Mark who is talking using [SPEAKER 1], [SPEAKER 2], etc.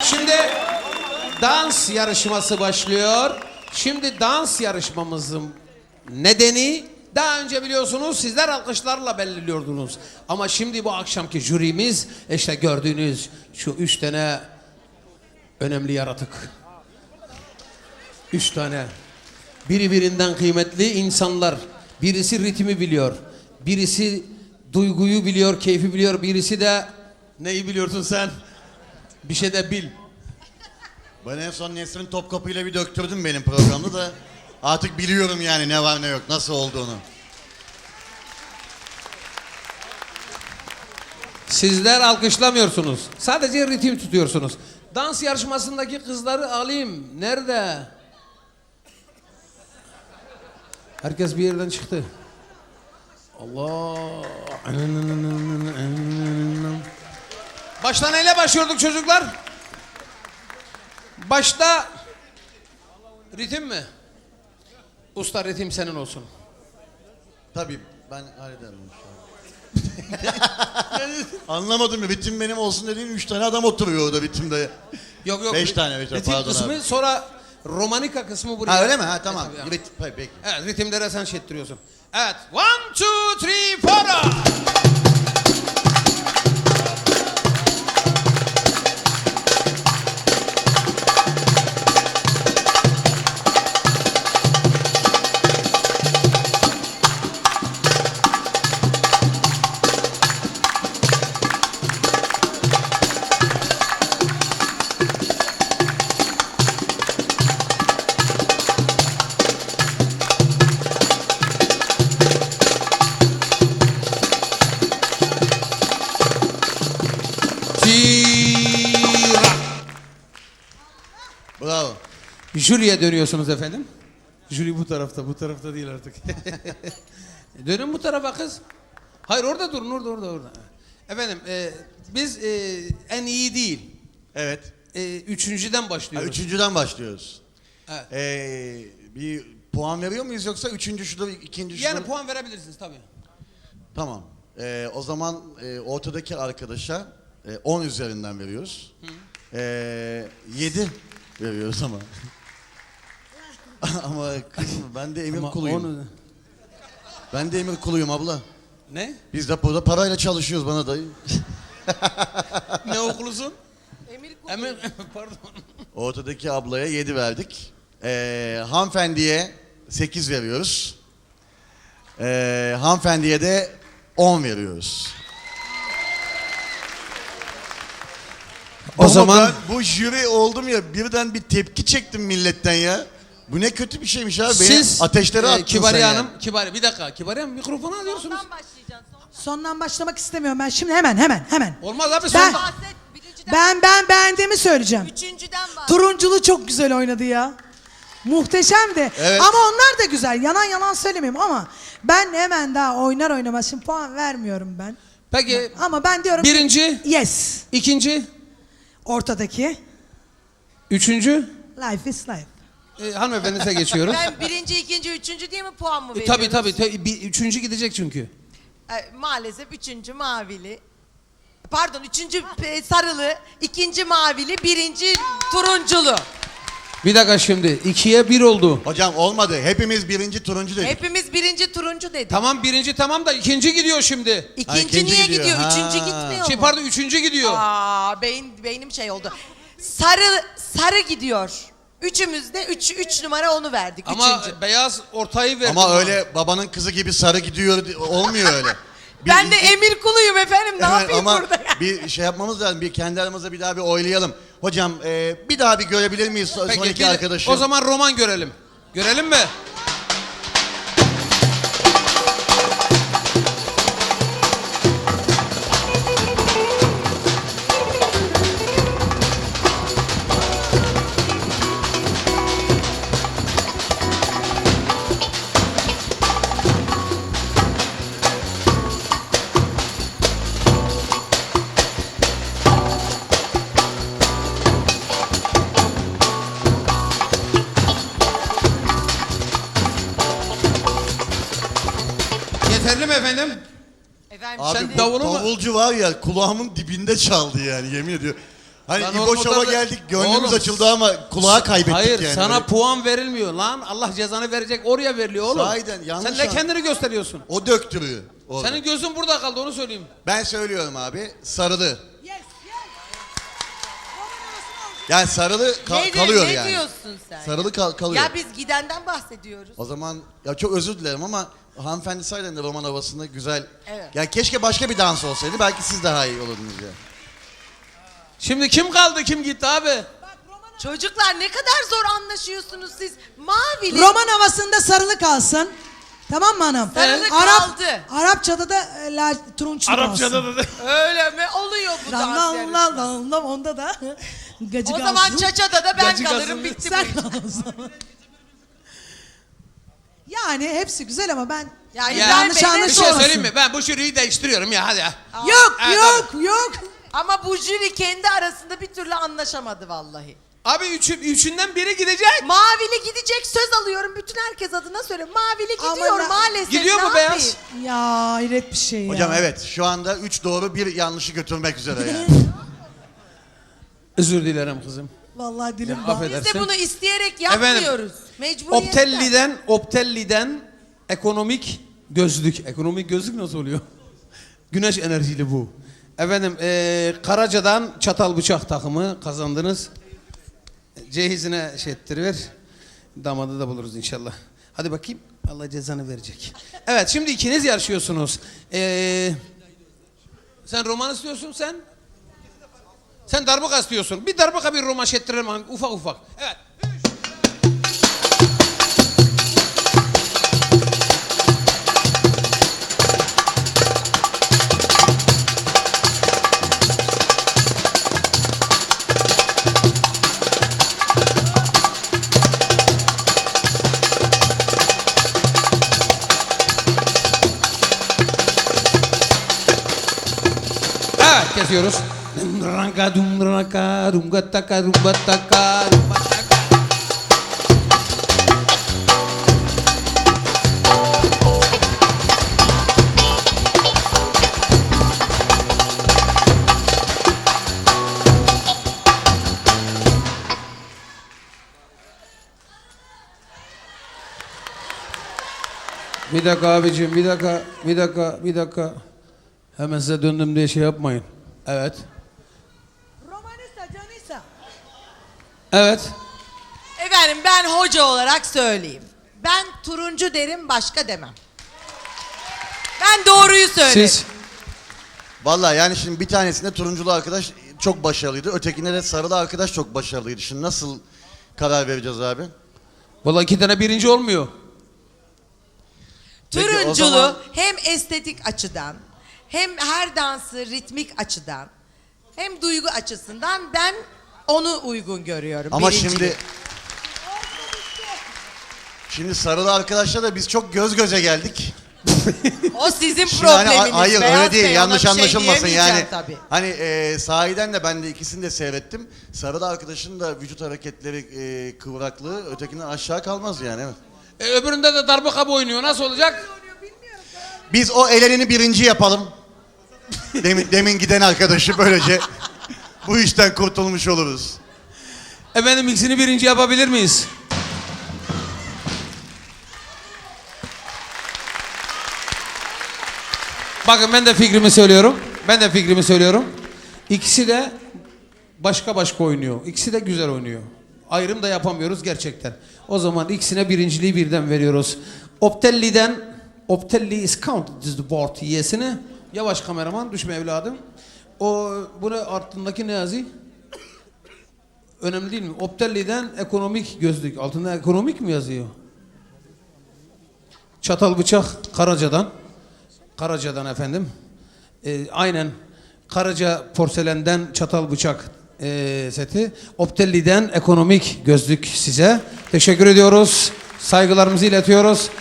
[SPEAKER 1] Şimdi dans yarışması başlıyor. Şimdi dans yarışmamızın nedeni daha önce biliyorsunuz sizler alkışlarla belirliyordunuz. Ama şimdi bu akşamki jürimiz işte gördüğünüz şu 3 tane önemli yaratık. 3 tane birbirinden kıymetli insanlar. Birisi ritmi biliyor. Birisi duyguyu biliyor, keyfi biliyor. Birisi de neyi biliyorsun sen? Bir şey de bil.
[SPEAKER 2] Ben en son Nesrin Topkapı ile bir döktürdüm benim programda da artık biliyorum yani ne var ne yok, nasıl olduğunu.
[SPEAKER 1] Sizler alkışlamıyorsunuz. Sadece ritim tutuyorsunuz. Dans yarışmasındaki kızları alayım. Nerede? Herkes bir yerden çıktı. Allah. Başta neyle başlıyorduk çocuklar? Başta ritim mi? Usta ritim senin olsun.
[SPEAKER 2] Tabii ben hallederim inşallah. Anlamadım ya, bitim benim olsun dediğin 3 tane adam oturuyor orada bitimde.
[SPEAKER 1] Yok yok.
[SPEAKER 2] 5 tane
[SPEAKER 1] ritim
[SPEAKER 2] pardon
[SPEAKER 1] kısmı
[SPEAKER 2] abi.
[SPEAKER 1] sonra romanika kısmı buraya.
[SPEAKER 2] Ha öyle mi? Ha tamam.
[SPEAKER 1] Tabii,
[SPEAKER 2] Peki.
[SPEAKER 1] evet ritimlere sen şey ettiriyorsun. Evet. 1, 2, 3, 4.
[SPEAKER 2] Bravo.
[SPEAKER 1] Jüriye dönüyorsunuz efendim. Jüri bu tarafta değil artık. Dönün bu tarafa kız. Hayır orada durun, orada. Efendim biz en iyi değil.
[SPEAKER 2] Evet.
[SPEAKER 1] Üçüncüden
[SPEAKER 2] Ha,
[SPEAKER 1] başlıyoruz.
[SPEAKER 2] üçüncüden başlıyoruz.
[SPEAKER 1] Evet.
[SPEAKER 2] Bir puan veriyor muyuz yoksa üçüncü şurada, ikinci şurada?
[SPEAKER 1] Yani puan verebilirsiniz tabii.
[SPEAKER 2] Tamam. O zaman ortadaki arkadaşa 10 üzerinden veriyoruz. 7 veriyoruz ama. Ama kızım ben de emir
[SPEAKER 1] Ama
[SPEAKER 2] kuluyum.
[SPEAKER 1] onu...
[SPEAKER 2] Ben de emir kuluyum abla.
[SPEAKER 1] Ne?
[SPEAKER 2] Biz de burada parayla çalışıyoruz bana dayı.
[SPEAKER 1] Ne okulusun?
[SPEAKER 3] Emir Kulu.
[SPEAKER 1] Emir, pardon.
[SPEAKER 2] Ortadaki ablaya 7 verdik. Hanımefendiye 8 veriyoruz. Hanımefendiye de 10 veriyoruz.
[SPEAKER 1] O
[SPEAKER 2] Ama
[SPEAKER 1] zaman
[SPEAKER 2] ben bu jüri oldum ya, birden bir tepki çektim milletten ya. Bu ne kötü bir şeymiş abi.
[SPEAKER 1] siz
[SPEAKER 2] Ateşlere attın
[SPEAKER 1] Kibariye
[SPEAKER 2] sen
[SPEAKER 1] Hanım,
[SPEAKER 2] ya.
[SPEAKER 1] Kibariye bir dakika. Kibariye Hanım mikrofonu alıyorsunuz.
[SPEAKER 3] Sondan başlayacaksın.
[SPEAKER 4] Sondan başlamak istemiyorum ben. Şimdi hemen.
[SPEAKER 1] Olmaz abi
[SPEAKER 4] Ben-
[SPEAKER 1] sonda.
[SPEAKER 3] Bahset. Birinciden.
[SPEAKER 4] Ben beğendiğimi söyleyeceğim.
[SPEAKER 3] Üçüncüden bahset.
[SPEAKER 4] Turunculu çok güzel oynadı ya. Muhteşemdi.
[SPEAKER 2] Evet.
[SPEAKER 4] Ama onlar da güzel. Yalan söylemeyeyim ama ben hemen daha oynar oynamaz şimdi puan vermiyorum ben.
[SPEAKER 1] Peki
[SPEAKER 4] Ama ben diyorum ki-
[SPEAKER 1] birinci,
[SPEAKER 4] yes.
[SPEAKER 1] ikinci,
[SPEAKER 4] Ortadaki
[SPEAKER 1] üçüncü.
[SPEAKER 4] life is life.
[SPEAKER 1] Hanımefendinize geçiyoruz.
[SPEAKER 3] Ben birinci, ikinci, üçüncü diye mi puan mı veriyorum?
[SPEAKER 1] Tabii. Üçüncü gidecek çünkü.
[SPEAKER 3] Maalesef üçüncü mavili. Pardon, üçüncü sarılı, ikinci mavili, birinci turunculu.
[SPEAKER 1] Bir dakika şimdi. 2'ye 1 oldu.
[SPEAKER 2] Hocam olmadı. Hepimiz birinci turuncu dedik.
[SPEAKER 3] Hepimiz birinci turuncu dedik.
[SPEAKER 1] Tamam birinci tamam da ikinci gidiyor şimdi.
[SPEAKER 3] İkinci,
[SPEAKER 2] ikinci
[SPEAKER 3] niye
[SPEAKER 2] gidiyor.
[SPEAKER 3] gidiyor?
[SPEAKER 2] Ha.
[SPEAKER 3] Üçüncü gitmiyor mu?
[SPEAKER 1] Pardon üçüncü gidiyor.
[SPEAKER 3] Beynim şey oldu. Sarı gidiyor. Üçümüz de üç numara onu verdik.
[SPEAKER 1] Ama
[SPEAKER 3] Üçüncü.
[SPEAKER 1] beyaz ortayı verdi.
[SPEAKER 2] Ama
[SPEAKER 1] bana.
[SPEAKER 2] öyle babanın kızı gibi sarı gidiyor olmuyor öyle.
[SPEAKER 3] Ben de emir kuluyum efendim. Ne
[SPEAKER 2] Evet,
[SPEAKER 3] yapayım
[SPEAKER 2] ama
[SPEAKER 3] burada?
[SPEAKER 2] bir şey yapmamız lazım. Bir kendi aramızda bir daha bir oylayalım. Hocam bir daha bir görebilir miyiz
[SPEAKER 1] Peki,
[SPEAKER 2] sonraki
[SPEAKER 1] bir-
[SPEAKER 2] arkadaşı?
[SPEAKER 1] O zaman roman görelim. Görelim mi? Yeterli mi efendim?
[SPEAKER 3] Efendim
[SPEAKER 2] Abi
[SPEAKER 1] Sen
[SPEAKER 2] bu
[SPEAKER 1] davulu mu-
[SPEAKER 2] davulcu var ya kulağımın dibinde çaldı yani yemin ediyorum. Hani
[SPEAKER 1] Lan
[SPEAKER 2] İbo
[SPEAKER 1] oğlum,
[SPEAKER 2] Show'a
[SPEAKER 1] o da-
[SPEAKER 2] geldik, gönlümüz
[SPEAKER 1] Oğlum,
[SPEAKER 2] açıldı ama kulağa kaybettik
[SPEAKER 1] Hayır
[SPEAKER 2] yani.
[SPEAKER 1] sana
[SPEAKER 2] Böyle-
[SPEAKER 1] puan verilmiyor lan. Allah cezanı verecek oraya veriliyor oğlum.
[SPEAKER 2] Sahiden, yanlış
[SPEAKER 1] Sen de
[SPEAKER 2] an-
[SPEAKER 1] kendini gösteriyorsun.
[SPEAKER 2] O döktürüyor. orada.
[SPEAKER 1] Senin gözün burada kaldı onu söyleyeyim.
[SPEAKER 2] Ben söylüyorum abi, sarılı.
[SPEAKER 4] Yes, yes.
[SPEAKER 2] Yani sarılı
[SPEAKER 3] Ne,
[SPEAKER 2] kalıyor
[SPEAKER 3] ne
[SPEAKER 2] yani.
[SPEAKER 3] diyorsun sen?
[SPEAKER 2] Sarılı kalıyor.
[SPEAKER 3] Ya biz gidenden bahsediyoruz.
[SPEAKER 2] O zaman ya çok özür dilerim ama hanımefendi sahiden de roman havasında güzel.
[SPEAKER 3] Evet.
[SPEAKER 2] Ya keşke başka bir dans olsaydı, belki siz daha iyi olurdunuz ya.
[SPEAKER 1] Şimdi kim kaldı kim gitti abi?
[SPEAKER 3] Çocuklar ne kadar zor anlaşıyorsunuz siz. Mavili.
[SPEAKER 4] Roman havasında sarılı kalsın. Tamam mı hanım?
[SPEAKER 3] Sarılı kaldı.
[SPEAKER 4] Arapçada da turunçlu
[SPEAKER 1] Arapçada
[SPEAKER 4] kalsın.
[SPEAKER 1] da.
[SPEAKER 3] Öyle mi? Oluyor bu
[SPEAKER 4] Lam
[SPEAKER 3] dans
[SPEAKER 4] lam
[SPEAKER 3] yarışması.
[SPEAKER 4] lam lam lam, onda da gacı
[SPEAKER 3] O
[SPEAKER 4] kalsın.
[SPEAKER 3] zaman çaçada da ben
[SPEAKER 1] Gacı
[SPEAKER 3] kalırım,
[SPEAKER 1] kalsın.
[SPEAKER 3] bitti
[SPEAKER 4] Sen
[SPEAKER 3] bu.
[SPEAKER 4] kal o zaman. Yani hepsi güzel ama ben
[SPEAKER 3] Ya
[SPEAKER 1] Ya,
[SPEAKER 3] İbrahim Bey
[SPEAKER 1] bir
[SPEAKER 3] ne
[SPEAKER 1] şey
[SPEAKER 3] sonrası?
[SPEAKER 1] söyleyeyim mi? Ben bu jüriyi değiştiriyorum ya hadi ya.
[SPEAKER 4] yok
[SPEAKER 1] Evet,
[SPEAKER 4] yok.
[SPEAKER 3] Ama bu jüri kendi arasında bir türlü anlaşamadı vallahi.
[SPEAKER 1] Abi üçünden biri gidecek.
[SPEAKER 3] Mavili gidecek, söz alıyorum bütün herkes adına söylüyorum. Mavili
[SPEAKER 4] Ama
[SPEAKER 3] gidiyor
[SPEAKER 4] ben-
[SPEAKER 3] maalesef.
[SPEAKER 1] Gidiyor
[SPEAKER 3] ne
[SPEAKER 1] mu
[SPEAKER 3] yapayım?
[SPEAKER 1] beyaz?
[SPEAKER 4] Ya hayret bir şey ya.
[SPEAKER 2] Hocam evet, şu anda 3 doğru 1 yanlışı götürmek üzere yani.
[SPEAKER 1] Özür dilerim kızım.
[SPEAKER 4] Vallahi dilim
[SPEAKER 1] Ya,
[SPEAKER 4] bağ.
[SPEAKER 1] affedersin.
[SPEAKER 3] Biz de bunu isteyerek yapmıyoruz. Mecburiyetten.
[SPEAKER 1] Optelli'den ekonomik gözlük. Ekonomik gözlük nasıl oluyor? Güneş enerjili bu. Efendim Karaca'dan çatal bıçak takımı kazandınız. Cehizine şey ettiriver. Damadı da buluruz inşallah. Hadi bakayım. Allah cezanı verecek. Evet şimdi ikiniz yarışıyorsunuz. Sen roman istiyorsun sen? Sen darbuka istiyorsun. Bir darbuka bir roman ettirelim ufak ufak. Evet. Evet kesiyoruz. Dumraka dumraka dumgataka dumbataka dumbataka. Bir dakika abicim, bir dakika. Hemen size döndüm diye şey yapmayın. Evet.
[SPEAKER 4] Romanista, canisa.
[SPEAKER 1] Evet.
[SPEAKER 3] Efendim ben hoca olarak söyleyeyim. Ben turuncu derim, başka demem. Ben doğruyu söylerim.
[SPEAKER 1] Siz
[SPEAKER 2] Vallahi yani şimdi bir tanesinde turunculu arkadaş çok başarılıydı. Ötekinde de sarılı arkadaş çok başarılıydı. Şimdi nasıl karar vereceğiz abi?
[SPEAKER 1] vallahi 2 tane birinci olmuyor.
[SPEAKER 2] Peki, o
[SPEAKER 3] Turunculu
[SPEAKER 2] zaman-
[SPEAKER 3] hem estetik açıdan, hem her dansı ritmik açıdan, hem duygu açısından ben onu uygun görüyorum.
[SPEAKER 2] Ama
[SPEAKER 3] birinciliği.
[SPEAKER 2] şimdi sarılı arkadaşla da biz çok göz göze geldik.
[SPEAKER 3] O sizin
[SPEAKER 2] Şimdi hani,
[SPEAKER 3] probleminiz.
[SPEAKER 2] hayır
[SPEAKER 3] Beyaz
[SPEAKER 2] öyle değil,
[SPEAKER 3] Bey, ona
[SPEAKER 2] yanlış
[SPEAKER 3] bir şey
[SPEAKER 2] anlaşılmasın
[SPEAKER 3] diyemeyeceğim
[SPEAKER 2] yani.
[SPEAKER 3] tabii.
[SPEAKER 2] Hani sahiden de ben de ikisini de seyrettim. Sarılı arkadaşın da vücut hareketleri kıvraklığı ötekinden aşağı kalmaz yani, evet.
[SPEAKER 1] Öbüründe de darbuka oynuyor. Nasıl olacak?
[SPEAKER 2] Biz o elenini birinci yapalım. Demin giden arkadaşı böylece bu işten kurtulmuş oluruz.
[SPEAKER 1] Efendim ikisini birinci yapabilir miyiz? Bakın ben de fikrimi söylüyorum. İkisi de başka oynuyor. İkisi de güzel oynuyor. Ayrım da yapamıyoruz gerçekten. O zaman ikisine birinciliği birden veriyoruz. Optelli is counted as the board yesini. Yavaş kameraman düşme evladım. Bunu altındaki ne yazıyor? Önemli değil mi? Optelli'den ekonomik gözlük. Altında ekonomik mi yazıyor? Çatal bıçak Karaca'dan efendim. Aynen Karaca porselenden çatal bıçak seti. Optelli'den ekonomik gözlük size. Teşekkür ediyoruz. Saygılarımızı iletiyoruz.